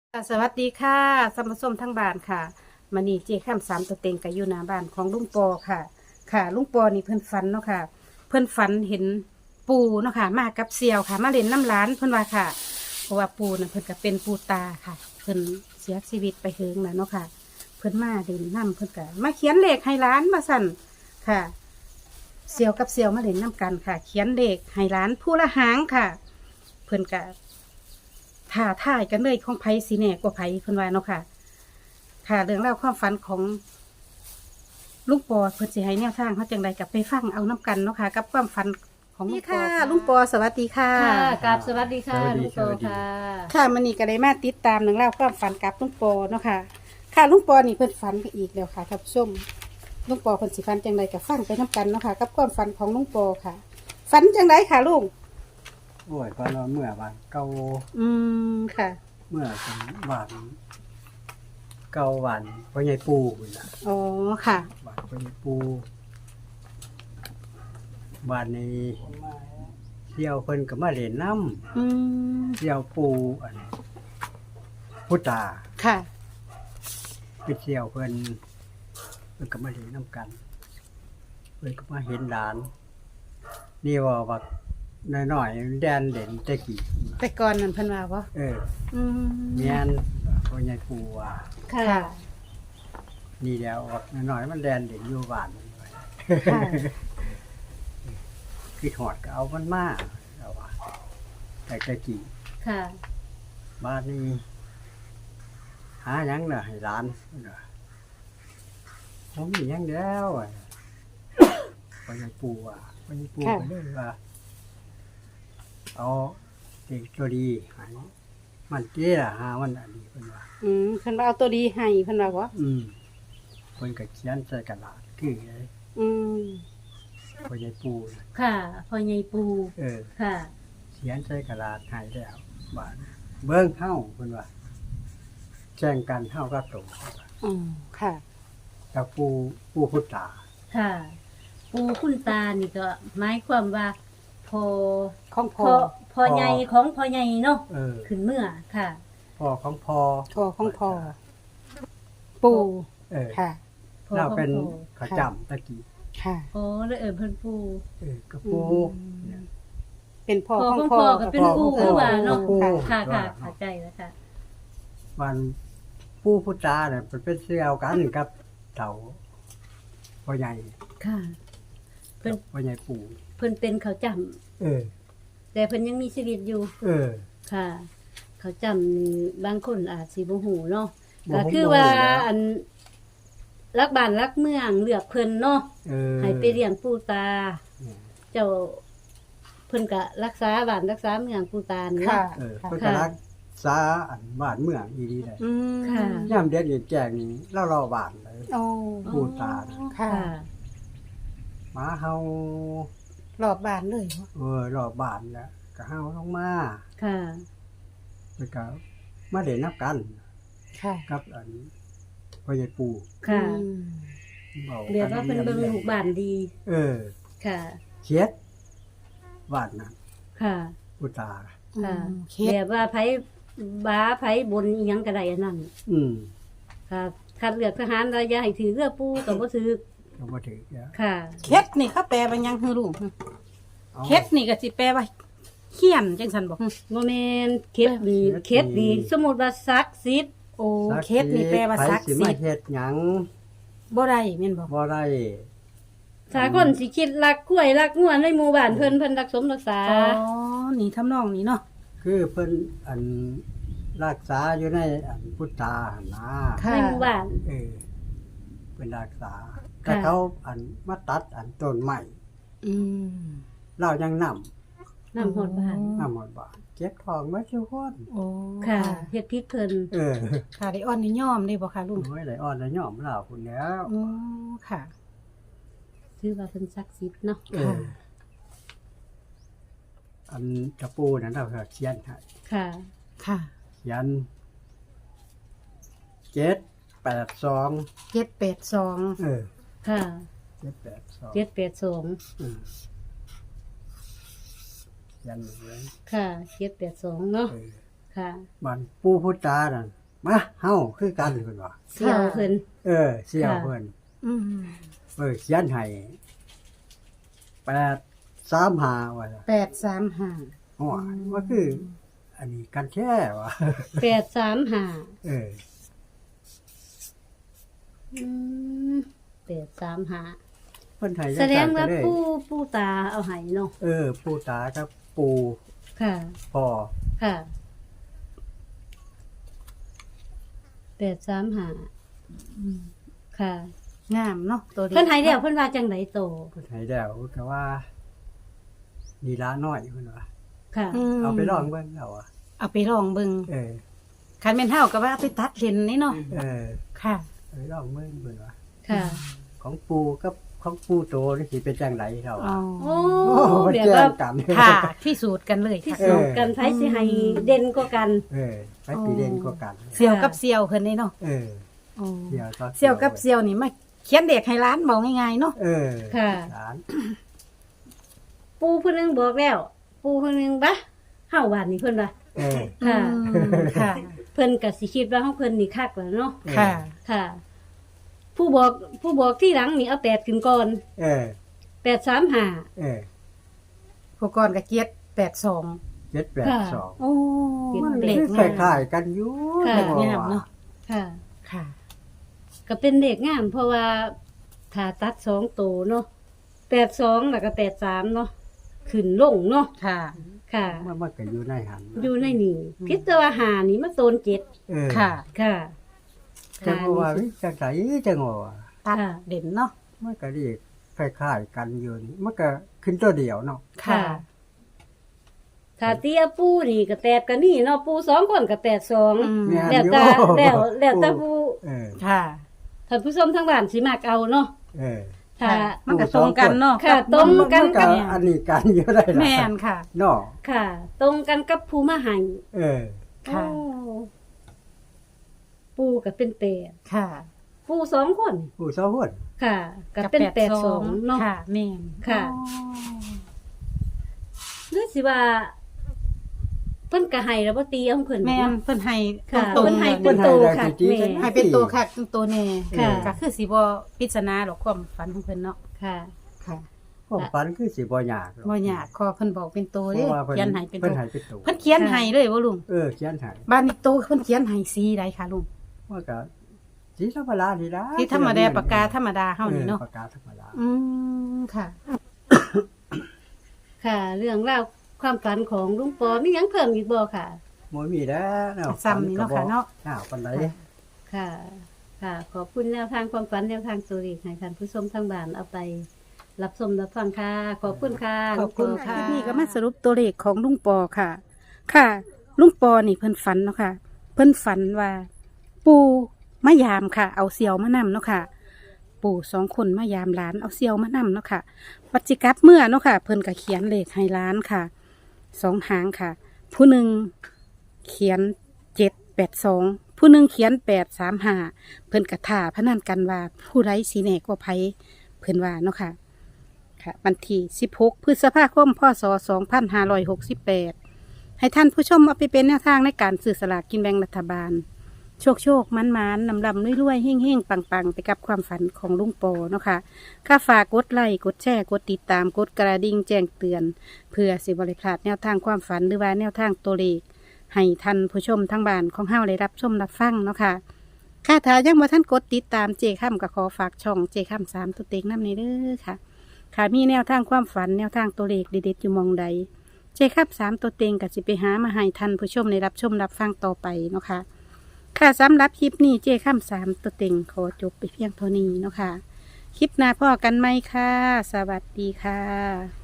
สวัสดีค่ะสมสมทั้งบ้านค่ะมานี่เจ้ข้ามสามตัวเต็งกับอยู่หน้าบ้านของลุงปอค่ะ ค่ะลุงปอนี่เพิ่นฝันเนาะค่ะ เพิ่นฝันเห็นปูเนาะค่ะมากับเสี่ยวค่ะ มาเล่นน้ำร้านเพิ่นว่าค่ะเพราะว่าปูน่ะเพิ่นก็เป็นปูตาค่ะ เพิ่นเสียชีวิตไปเฮิงแล้วเนาะค่ะ เพิ่นมาเล่นน้ำเพิ่นก็มาเขียนเลขให้ร้านมาสั่นค่ะ เสี่ยวกับเสี่ยวมาเล่นน้ำกันค่ะ เขียนเลขให้ร้านผู้ละหางค่ะ เพิ่นก็ ท่าท่ายกันเลยของไผสีแหน่กว่าไผเพิ่นว่าเนาะค่ะ ค่ะเรื่องเล่าวความฝันของลุงปอเพิ่นสิให้แนวทางเขาจังใดกับไปฟังเอาน้กันเนาะค่ะ กับความฝันของลุงปอค่ะลุงปอสวัสดีค่ะค่ะกราบสวัสดีค่ะสวัสดีลุงโตสวัสดีค่ะค่ะมันนี่ก็ได้มาติดตามเรื่องเล่าวความฝันกับลุงปอเนาะค่ะ ค่ะลุงปอนี่เพิ่นฝันไปอีกแล้วค่ะท่านผู้ชมลุงปอเพิ่นสิฝันจังใดกับฟังไปน้กันเนาะค่ะ กับความฝันของลุงปอค่ะฝันจังใดค่ะลุงโอ้ยพอเราเมื่อวานเก่าค่ะเมื่อเป็นวานเก่าวันพ่อใหญ่ปูนี่ล่ะอ๋อค่ะวานพ่อใหญ่ปูวานนี้เที่ยวเพิ่นก็มาเล่นน้อืมำเที่ยวปูอันพุตาค่ะไปเที่ยวเพิ่นก็มาเล่นน้ำกันเพิ่นก็มาเห็นหลาน นี่ว่าน้อยๆแดนเด่นตะกี้แต่ก่อนนั่นเพิ่นว่าบ่เอออืมแม่นพ่อใหญ่ปูว่าค่ะค่ะนี่แล้วออกน้อยๆมันแดนเด็กอยู่บ้านมันไว้ค่ะคือถอดก็เอามันมาเอาว่าแต่ตะกี้ค่ะบ้านนี้หาหยังน่ะให้ร้านน่ะผมมีหยังแล้วอ่ะพอใหญ่ปู่ว่าพอใหญ่ปู่ก็เลยว่า เอาเด็กตัวดีให้มันเจ้าหามันอันนี้เพิ่นว่าเพิ่นว่าเอาตัวดีให้เพิ่นว่าบ่เพิ่นก็เขียนใส่กระดาษคือไอ้อืมพอใหญ่ปู่น่ะค่ะพ่อใหญ่ปูเออค่ะเขียนใส่กระดาษให้แล้วบาดเบิ่งเฮาเพิ่นว่าแจ้งกันเฮาก็ตรงอ๋อค่ะกับผู้พุทธาค่ะ ปูคุณตานี่ก็หมายความว่าพอของพพ่ออพอใหญ่ของพ่อใหญ่เนาะเออขึ้นเมื่อค่ะพ่อของพ่อพ่อของพ่อ ปู่เออค่ะพ่อเราของเป็นพ่อขจำตะกี้ค่ะอ๋อแล้วเพิ่นปูกับปูอืมเนี่ยเป็นพ่อพ่อของของพ่อพ่อก็เป็นปูคือว่าเนาะปูค่ะว่าค่ะเข้าใจแล้วค่ะวันผู้พุทธาเนี่ยมันเป็นเสี่ยวกันกับเฒ่าพ่อใหญ่ค่ะ เพิ่นกับพ่อใหญ่ปู่เพิ่นเป็นเขาจำเออแต่เพิ่นยังมีชีวิตอยู่เออค่ะ เขาจำนี่บางคนอาจสิบ่ฮู้เนาะบ่ก็ฮู้คือว่าบ่ฮู้แล้วอันรักบ้านรักเมืองเลือกเพิ่นเนาะเออให้ไปเลี้ยงปู่ตาเนี่ยเจ้าเพิ่นก็รักษาบ้านรักษาเมืองปู่ตานี่ค่ะเนาะเออเพิ่นก็รักษาอันบ้านเมืองอีดีเลยอืมค่ะย่ามเด็ดแจงนี่เล่าบ้านเลยโอ้ปู่ตาค่ะค่ะหมาเฮารอบบ้านเลยบ่รอบบ้านแล้วก็เฮาลงมาค่ะแล้วก็มาเล่นนับกันค่ะกับอันพ่อใหญ่ปู่ค่ะอืมเว้าเรียกว่าเพิ่นเบิ่งลูกบ้านดีเออค่ะเขียดบ้านนั้นค่ะปู่ตาค่ะเคเรีสยกว่าไผบ้าไผบนอีหยังก็ได้อันนั้นอืมค่ะคัดเลือกทหารระยะให้ถือเรือปู่ก็บ่ถือก็บ่ถือแล้วค่ะเคสนี่เขาแปลว่าหยังคือลูกอาเคสนี่ก็สิแปลว่าเขียนจังซั่นบ่บ่แม่นเคสนี่เคสนี่สมมุติว่าศักดิ์สิทธิ์โอ้เคสนี่แปลว่าศักดิ์ไผสิมาทธิ์เฮ็ดหยังบ่ได้แม่นบ่บ่ได้ถ้าคนสิคิดรักกล้วยรักงัวในหมู่บ้านเพิ่นรักสมรักษาอ๋อนี่ทำนองนี้เนาะคือเพิ่นอันรักษาอยู่ในอันพุทธาหั่นนะค่ะในหมู่บ้านเออเป็นรักษาแต่เขาอันมาตัดอันต้นใหม่อืมเรายังนำนำฮอดบ้านนำหมดบ้านเก็บทองไว้ทุกคนโอ้ค่ะเฮ็ดพิษเพิ่นเออค่ะได้อ่อนได้ยอมได้บ่ค่ะลุงโอ้ยไหลอ่อนแล้วย่อมเราพุ่นแล้วอ๋อค่ะชื่อว่าเพิ่นศักดิ์สิทธิ์เนาะเออ อันกระปูนั้นเราก็เขียนให้ค่ะค่ะเขียน782 782 เออค่ะ 782 782 อืมเขียนไว้ค่ะ782เนาะเออค่ะบ้านปู่พุทธาน่ะมาเฮาคือกันเพิ่นว่าเสี่ยวเพิ่นเสี่ยวค่ะเพิ่นอืมเขียนให้835ว่า 835 อ๋อว่าคือ อันนี้กันแท้ว่ะ 835 เอออืม835 เพิ่นให้แสดงว่าจังๆก็เลยปู่ตาเอาให้เนาะปู่ตากับปู่ค่ะพ่อค่ะ835ค่ะงามเนาะตัวนี้เพิ่นให้แล้วเพิ่นว่าจังไดโตเพิ่นให้แล้วก็ว่านี่ละน้อยเพิ่นว่าค่ะมเอาไปลองเบิ่งเอาอ่ะเอาไปลองเบิ่งเออคันแม่นเฮาก็ว่าเอาไปตัดเล่นนี่เนาะเออค่ะเอาไปลองเบิ่งเพิ่นว่าค่ะของปู่กับของปู่โตนี่สิเป็นจังไดเท่าอ๋อโอ้มันแบบแจ้ว่างกันค่ะที่สูตรกันเลยที่ค่ะสุดกันไผสิให้เด่นกว่ากันไปตีเด่นกว่ากันเสี่ยวกับเสี่ยวเพิ่นนี่เนาะเอออ๋อเสี่ยวก็เสี่ยวกับเสี่ยวนี่มาเขียนเด็กให้ร้านบอกง่ายๆเนาะเออค่ะหลานปู่เพิ่นนึงบอกแล้ว ปู่เพิ่นนึงบะเฮาบ้านนี่เพิ่นว่าเออค่ะอืมค่ะเพิ่นก็สิคิดว่าของเพิ่นนี่คักแล้วเนาะค่ะค่ะ ผู้บอกที่หลังนี่เอา8ขึ้นก่อนเออ 835 เออผู้ก่อนก็เกียรติ82 782 โอ้มันเล็กคือคงามล้ายๆกันอยู่ค่ะจังหวะงามเนาะค่ะค่ะก็เป็นเด็กงามเพราะว่าถ้าตัด2ตัวเนาะ82แล้วก็83เนาะขึ้นลงเนาะค่ะค่ะมันก็อยู่ในหันอยู่ในนี่พิจารณานี่มาโซน7 เออค่ะค่ะจังหวะวิจังไสจังหวะตัดค่ะเด่นเนาะมันก็เรียกคล้ายๆกันอยู่นี่มันก็ขึ้นตัวเดียวเนาะค่ะถ้าเตี้ยปูนี่ก็8กันนี่เนาะปู2คนก็82 อืมแม่นแล้วอยู่แต่แล้วแต่ผู้เออค่ะท่านผู้ชมทั้งบ้านสิมักเอาเนาะเออถ้าค่ะมันก็ตรงกันเนาะค่ะตรงกันมักับอันนี้กันอยู่ได้ล่ะแม่นค่ะเนาะค่ะ ตรงกันกับผู้มาให้เออค่ะโอ้ปูก็เป็น8 ค่ะปู2คนผู้สองคนค่ะก็เป็น82เนาะค่ะแม่นค่ะอ๋อหรือสิว่าเพิ่นก็ให้แล้วบ่ตีเอาของเพิ่นแม่นเนาะเพิ่นให้ค่ะตรงเพิ่นๆให้เป็นโตค่ะแม่ให้เป็นตัวค่ะตัวแน่ค่ะก็คือสิบ่ปริศนาหรอกความฝันของเพิ่นเนาะค่ะค่ะผมฝันคือสิบ่ยากหรอกบ่ยากขอเพิ่นบอกเป็นตัวเพเด้ราะว่าเพิ่นเขียนให้เป็นเพิ่ตันวให้เป็นตัวเพิ่นเขียนให้เลยบ่ลุงเขียนให้บ้านนี้โตเพิ่นเขียนให้สีใดคะลุงว่าก็สีธรรมดานี่ล่ะที่ธรรมดาปากกาธรรมดาเฮานี่เนาะปากกาธรรมดาอืมค่ะค่ะ เรื่องราวความฝันของลุงปอมีหยังเพิ่มอีกบ่ค่ะบ่มีแล้วแนวซ้ำนี่เนาะค่ะเนาะปานใดค่ะ ค่ะ ขอบคุณแนวทางความฝันแนวทางตัวเลขให้ท่านผู้ชมทางบ้านเอาไป รับชมรับฟังค่ะ ขอบคุณค่ะขอบคุณลุงปค่ะนี่ก็มาสรุปตัวเลขของลุงปอค่ะ ค่ะ ลุงปอนี่เพิ่นฝันเนาะค่ะ เพิ่นฝันว่า ปู่มายามค่ะ เอาเสี่ยวมานำเนาะค่ะ ปู่2คนมายามหลานเอาเสี่ยวมานำเนาะค่ะปัจจิกลับเมื่อเนาะค่ะ เพิ่นก็เขียนเลขให้หล้านค่ะ2หางค่ะ ผู้หนึ่งเขียน782ผู้หนึ่งเขียน835เพิ่นกระท่าพนันกันว่าผู้ใดสีแหน่กว่าไผเพิ่นว่าเนาะค่ะ ค่ะวันที่16 พฤษภาคม พศ 2568 ให้ท่านผู้ชมเอาไปเป็นแนวทางในการสื่อสลากกินแบ่งรัฐบาล โชคโชคมันมันนำลำรวยๆเฮ่งเฮ่งปังปังไปกับความฝันของลุงปอเนาะค่ะค่าฝากกดไลค์กดแชร์กดติดตามกดกระดิ่งแจ้งเตือน เพื่อสิบริพลาดแนวทางความฝันหรือว่าแนวทางตัวเลขให้ท่านผู้ชมทั้งบ้านของเฮาได้รับชมรับฟังเนาะค่ะค่าถ้ายังบ่ท่านกดติดตามเจค่ำก็ขอฝากช่องเจค่ำ3ตัวเต็งน้ำในเด้อค่ะ ค่ะมีแนวทางความฝันแนวทางตัวเลขเด็ดๆอยู่หมองใด เจครับ3ตัวเต็งกับสิไปหามาให้ท่านผู้ชมในรับชมรับฟังต่อไปเนาะค่ะค่ะสำหรับคลิปนี้เจค่ำ3ตัวเต็งขอจบไปเพียงเท่านี้เนาะค่ะคลิปหน้าพ่อกันไหมค่ะ สวัสดีค่ะ